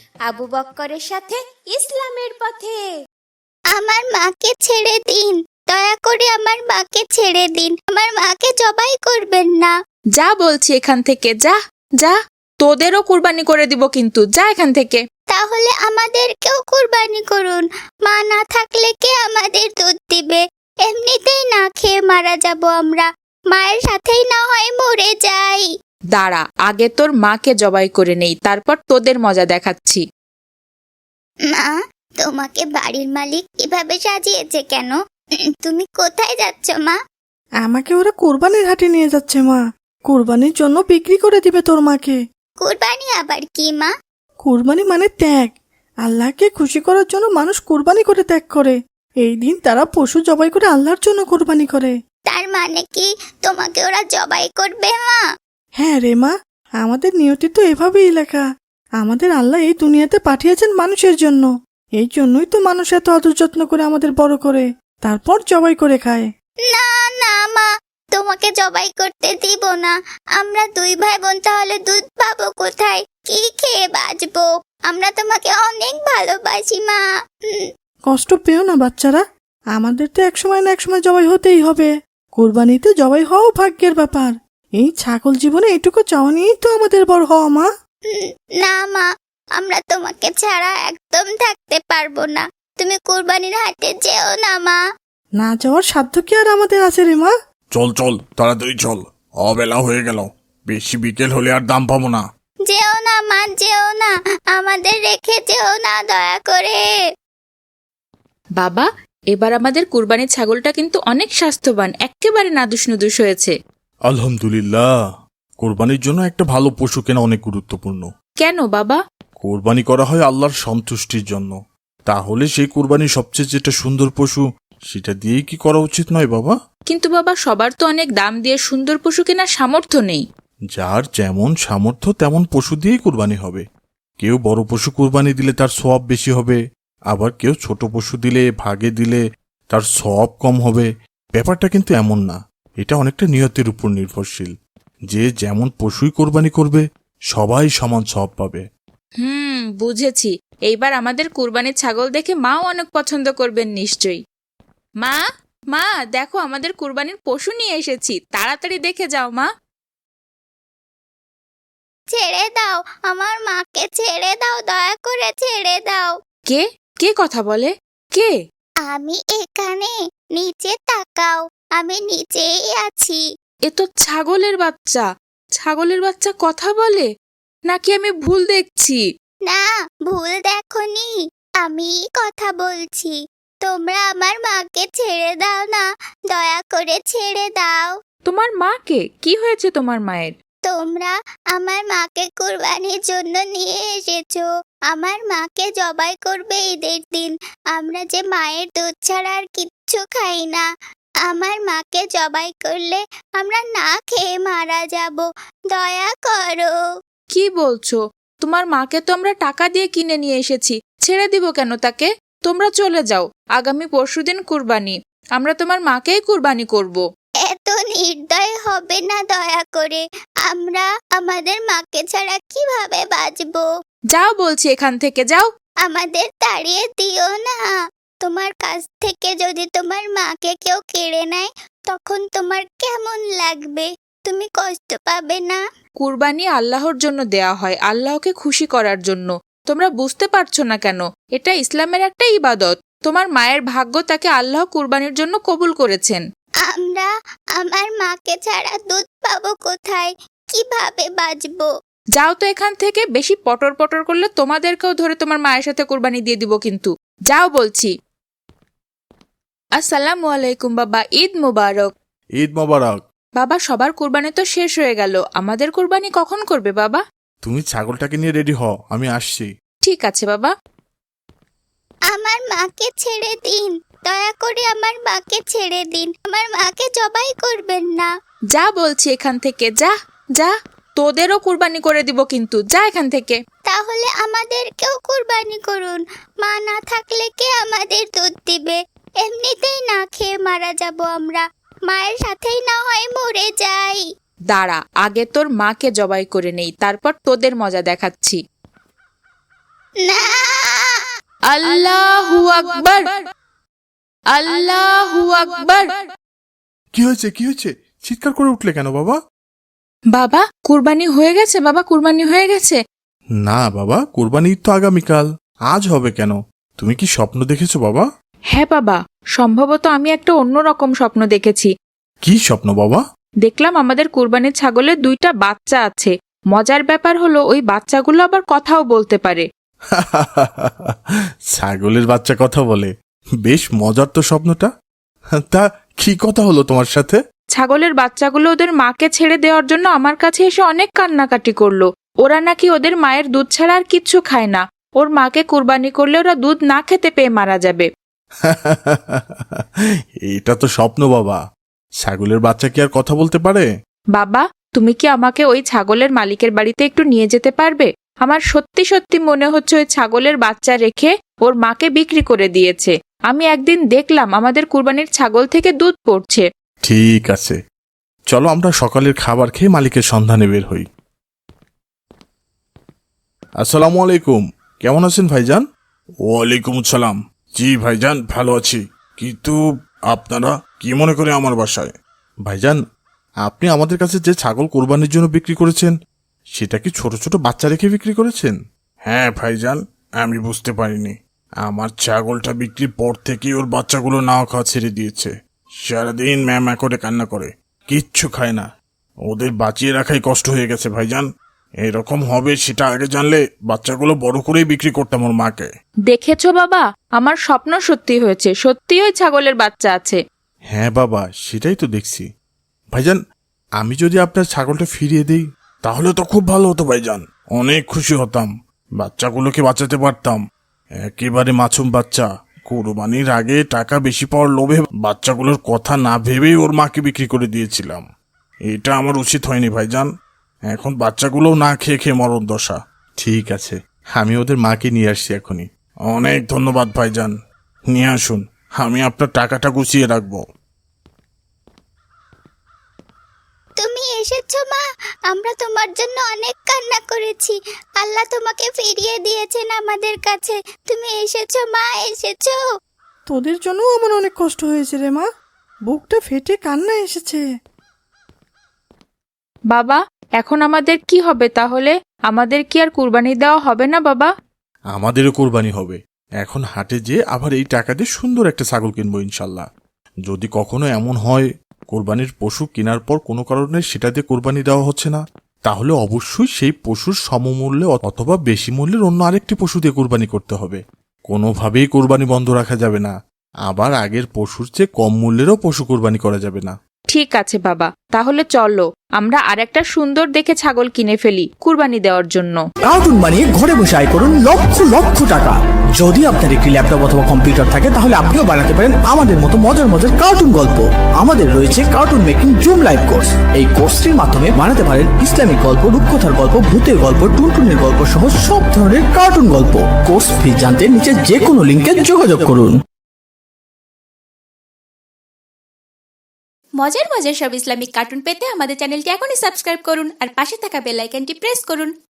আবু বক্করের সাথে ইসলামের পথে। আমার মাকে ছেড়ে দিন, দয়া করে আমার মাকে ছেড়ে দিন, আমার মাকে জবাই করবেন না। যা বলছি এখান থেকে, যা যা, তোদেরও কুরবানি করে দিব কিন্তু, যা এখান থেকে। তাহলে আমাদেরকেও কুরবানি করুন, মা না থাকলে কে আমাদের দুধ দিবে? এমনিতেই না খেয়ে মারা যাব আমরা, মায়ের সাথেই না হয় মরে যাই। দাঁড়া, আগে তোর মাকে জবাই করে নেই, তারপর তোদের মজা দেখাচ্ছি। মা, তোমাকে বাড়ির মালিক এভাবে সাজিয়েছে কেন? তুমি কোথায় যাচ্ছ মা? আমাকে ওরা কোরবানির হাটে নিয়ে যাচ্ছে মা। কোরবানির জন্য বিক্রি করে দিবে তোর মাকে। কুরবানি আবার কি মা? কোরবানি মানে ত্যাগ। আল্লাহকে খুশি করার জন্য মানুষ কোরবানি করে ত্যাগ করে। এই দিন তারা পশু জবাই করে আল্লাহর জন্য কোরবানি করে। তার মানে কি তোমাকে ওরা জবাই করবে মা? হ্যাঁ রে মা, আমাদের নিয়তি তো এভাবেই লেখা। আমাদের আল্লাহ এই দুনিয়াতে পাঠিয়েছেন মানুষের জন্য। এই জন্যই তো মানুষ এত আদর যত্ন করে আমাদের বড় করে, তারপর জবাই করে খায়। না না মা, তোমাকে জবাই করতে দিব না। আমরা দুই ভাই বোন তাহলে দুধ পাবো কোথায়? কি খেয়ে বাঁচবো? আমরা তোমাকে অনেক ভালোবাসি মা। কষ্ট পেও না বাচ্চারা, আমাদের তো একসময় না একসময় জবাই হতেই হবে। কোরবানিতে জবাই হওয়াও ভাগ্যের ব্যাপার। এই ছাগল জীবনে এটুকু চাওয়া নিয়েই তো আমাদের বড় হওয়া মা। না মা, আমরা তোমাকে ছাড়া একদম থাকতে পারবো না। তুমি কুরবানির হাটে যেও না মা। না যাওয়ার সাধ্য কি আর আমাদের আছে রে মা? চল চল, তাড়াতাড়ি চল, অবেলা হয়ে গেল। বেশি বিকেল হলে আর দাম পাবো না। যেও না মা, যেও না, আমাদের রেখে যেও না দয়া করে। বাবা, এবার আমাদের কুরবানির ছাগলটা কিন্তু অনেক স্বাস্থ্যবান, একেবারে নাদুস নুদুস হয়েছে। আলহামদুলিল্লাহ। কোরবানির জন্য একটা ভালো পশু কেনা অনেক গুরুত্বপূর্ণ। কেন বাবা? কোরবানি করা হয় আল্লাহর সন্তুষ্টির জন্য। তাহলে সেই কোরবানির সবচেয়ে যেটা সুন্দর পশু, সেটা দিয়েই কি করা উচিত নয় বাবা? কিন্তু বাবা, সবার তো অনেক দাম দিয়ে সুন্দর পশু কেনার সামর্থ্য নেই। যার যেমন সামর্থ্য তেমন পশু দিয়েই কোরবানি হবে। কেউ বড় পশু কোরবানি দিলে তার সওয়াব বেশি হবে, আবার কেউ ছোট পশু দিলে, ভাগে দিলে তার সওয়াব কম হবে। ব্যাপারটা কিন্তু এমন না, এটা অনেকটা নিয়তের উপর নির্ভরশীল। যে যেমন পশুই কোরবানি করবে সবাই সমান সওয়াব পাবে। বুঝেছি। এইবার আমাদের কুরবানির ছাগল দেখে মাও অনেক পছন্দ করবেন নিশ্চয়ই। মা, মা দেখো, আমাদের কুরবানির পশু নিয়ে এসেছি, তাড়াতাড়ি দেখে যাও মা। ছেড়ে দাও, আমার মাকে ছেড়ে দাও, দয়া করে ছেড়ে দাও। কে কে কথা বলে? কে? আমি এখানে, নিচে তাকাও, আমি নিচেই আছি। এ তো ছাগলের বাচ্চা। ছাগলের বাচ্চা কথা বলে নাকি আমি ভুল দেখছি? না, ভুল দেখোনি, আমি কথা বলছি। তোমরা আমার মাকে ছেড়ে দাও না, দয়া করে ছেড়ে দাও। তোমার মাকে? কি হয়েছে তোমার মায়ের? তোমরা আমার মাকে কুরবানির জন্য নিয়ে এসেছো। আমার মাকে জবাই করবে ঈদের দিন। আমরা যে মায়ের দুধ ছাড়া আর কিচ্ছু খাই না। আমার মাকে জবাই করলে আমরা না খেয়ে মারা যাব। দয়া করো। কি বলছো? তোমার মাকে তো আমরা টাকা দিয়ে কিনে নিয়ে এসেছি, ছেড়ে দিব কেন তাকে? তোমরা চলে যাও, আগামী পরশুদিন কুরবানি, আমরা তোমার মাকেই কুরবানি করব। এত নির্দয় হবে না দয়া করে। আমরা আমাদের মাকে ছাড়া কিভাবে বাঁচবো? যাও বলছি, এখান থেকে যাও। আমাদের তাড়িয়ে দিও না। তোমার কাছ থেকে যদি তোমার মাকে কেউ কেড়ে নেয়, তখন তোমার কেমন লাগবে? তুমি কষ্ট পাবে না? কুরবানি আল্লাহর জন্য দেয়া হয়, আল্লাহকে খুশি করার জন্য। তোমরা বুঝতে পারছো না কেন? এটা ইসলামের একটা ইবাদত। তোমার মায়ের ভাগ্য, তাকে আল্লাহ কুরবানির জন্য কবুল করেছেন। আমরা আমার মাকে ছাড়া দুধ পাবো কোথায়? কিভাবে বাঁচবো? যাও তো এখান থেকে, বেশি পটর পটর করলে তোমাদেরকেও ধরে তোমার মায়ের সাথে কুরবানি দিয়ে দিব কিন্তু। যাও বলছি। আসসালামু আলাইকুম বাবা, ঈদ মুবারক। ঈদ মোবারক। বাবা, সবার কুরবানি তো শেষ হয়ে গেল, আমাদের কুরবানি কখন করবে বাবা? তুমি ছাগলটাকে নিয়ে রেডি হও, আমি আসছি। ঠিক আছে বাবা। আমার মাকে ছেড়ে দিন, দয়া করে আমার মাকে ছেড়ে দিন। আমার মাকে জবাই করবেন না। যা বলছি এখান থেকে, যা যা, তোদেরও কুরবানি করে দিব কিন্তু, যা এখান থেকে। তাহলে আমাদেরকেও কুরবানি করুন, মা না থাকলে কে আমাদের দুধ দিবে? এমনিতেই না খেয়ে মারা যাব আমরা, মায়ের সাথেই না হয় মরে যাই। দাঁড়া, আগে তোর মাকে জবাই করে নেই, তারপর তোদের মজা দেখাচ্ছি। না। আল্লাহু আকবার, আল্লাহু আকবার। কি হয়েছে কি হয়েছে চিৎকার করে উঠলে কেন বাবা? বাবা কুরবানি হয়ে গেছে, বাবা কুরবানি হয়ে গেছে। না বাবা, কোরবানি ঈদ তো আগামীকাল, আজ হবে কেন? তুমি কি স্বপ্ন দেখেছো বাবা? হ্যাঁ বাবা, সম্ভবত আমি একটা অন্যরকম স্বপ্ন দেখেছি। কি স্বপ্ন বাবা? দেখলাম আমাদের কুরবানির ছাগলের 2টা বাচ্চা আছে। মজার ব্যাপার হলো ওই বাচ্চাগুলো আবার কথাও বলতে পারে। ছাগলের বাচ্চা কথা বলে? বেশ মজার তো স্বপ্নটা। তা কি কথা হলো তোমার সাথে? ছাগলের বাচ্চাগুলো ওদের মাকে ছেড়ে দেওয়ার জন্য আমার কাছে এসে অনেক কান্নাকাটি করলো। ওরা নাকি ওদের মায়ের দুধ ছাড়া আর কিচ্ছু খায় না। ওর মাকে কুরবানি করলে ওরা দুধ না খেতে পেয়ে মারা যাবে। এটা তো স্বপ্ন বাবা, ছাগলের বাচ্চা কি আর কথা বলতে পারে? বাবা, তুমি কি আমাকে ওই ছাগলের মালিকের বাড়িতে একটু নিয়ে যেতে পারবে? আমার সত্যি সত্যি মনে হচ্ছে ওই ছাগলের বাচ্চা রেখে ওর মাকে বিক্রি করে দিয়েছে। আমি একদিন দেখলাম আমাদের কুরবানির ছাগল থেকে দুধ পড়ছে। ঠিক আছে, চলো আমরা সকালের খাবার খেয়ে মালিকের সন্ধানে বের হই। আসসালামু আলাইকুম, কেমন আছেন ভাইজান? ওয়ালাইকুম আসসালাম। জি ভাইজান, ভালো আছি। কিন্তু আপনারা কি মনে করে আমার বাসায়? ভাইজান, আপনি আমাদের কাছে যে ছাগল কোরবানির জন্য বিক্রি করেছেন, সেটা কি ছোট ছোট বাচ্চা রেখে বিক্রি করেছেন? হ্যাঁ ভাইজান, আমি বুঝতে পারিনি। আমার ছাগলটা বিক্রির পর থেকেই ওর বাচ্চাগুলো নাও খাওয়া ছেড়ে দিয়েছে। সারাদিন ম্যামা করে কান্না করে, কিচ্ছু খায় না। ওদের বাঁচিয়ে রাখাই কষ্ট হয়ে গেছে ভাইজান। এরকম হবে সেটা আগে জানলে বাচ্চাগুলো বড় করেই বিক্রি করতাম ওর মাকে। দেখেছো বাবা, আমার স্বপ্ন সত্যি হয়েছে, সত্যি ওই ছাগলের বাচ্চা আছে। হ্যাঁ বাবা, সেটাই তো দেখছি। ভাইজান, আমি যদি আপনার ছাগলটা ফিরিয়ে দিই তাহলে তো খুব ভালো হতো ভাইজান, অনেক খুশি হতাম। বাচ্চাগুলোকে বাঁচাতে পারতাম। একেবারে মাছুম বাচ্চা, কোরবানির আগে টাকা বেশি পাওয়ার লোভে বাচ্চাগুলোর কথা না ভেবেই ওর মাকে বিক্রি করে দিয়েছিলাম। এটা আমার উচিত হয়নি ভাইজান। এখন বাচ্চাগুলোও না খেয়ে খেয়ে মরণ দশা। ঠিক আছে, আমি ওদের মাকে নিয়ে আসছি এখনই। অনেক ধন্যবাদ ভাইজান, নিয়ে আসুন, আমি আপনার টাকাটা গুছিয়ে রাখবো। তুমি এসেছো মা, আমরা তোমার জন্য অনেক কান্না করেছি। আল্লাহ তোমাকে ফিরিয়ে দিয়েছেন আমাদের কাছে। তুমি এসেছো মা, এসেছো। তোদের জন্য আমার অনেক কষ্ট হয়েছে রে মা, বুকটা ফেটে কান্না এসেছে। বাবা, এখন আমাদের কি হবে তাহলে? আমাদের কি আর কুরবানি দেওয়া হবে না বাবা? আমাদেরও কোরবানি হবে। এখন হাটে যেয়ে আবার এই টাকা দিয়ে সুন্দর একটা ছাগল কিনবো ইনশাল্লাহ। যদি কখনো এমন হয় কোরবানির পশু কেনার পর কোনো কারণে সেটা দিয়ে কোরবানি দেওয়া হচ্ছে না, তাহলে অবশ্যই সেই পশুর সমমূল্যে অথবা বেশি মূল্যের অন্য আরেকটি পশু দিয়ে কোরবানি করতে হবে। কোনোভাবেই কোরবানি বন্ধ রাখা যাবে না। আবার আগের পশুর চেয়ে কম মূল্যেরও পশু কোরবানি করা যাবে না। ঠিক আছে বাবা, তাহলে চলো আমরা আরেকটা সুন্দর দেখে ছাগল কিনে ফেলি কুরবানি দেওয়ার জন্য। কার্টুন বানিয়ে ঘরে বসে আয় করুন লক্ষ লক্ষ টাকা। যদি আপনার একটি ল্যাপটপ অথবা কম্পিউটার থাকে তাহলে আপনিও বানাতে পারেন আমাদের মতো মজার মজার কার্টুন গল্প। আমাদের রয়েছে cartoon making zoom live course. এই কোর্সটির মাধ্যমে বানাতে পারেন ইসলামিক গল্প, রূপকথার গল্প, ভূতের গল্প, টুনটুনের গল্প সহ সব ধরনের কার্টুন গল্প। কোর্স ফি জানতে নিচে যে কোনো লিঙ্কে যোগাযোগ করুন। মজার মজার সব ইসলামিক কার্টুন পেতে আমাদের চ্যানেলটি এখনই সাবস্ক্রাইব করুন আর পাশে থাকা বেল আইকনটি প্রেস করুন।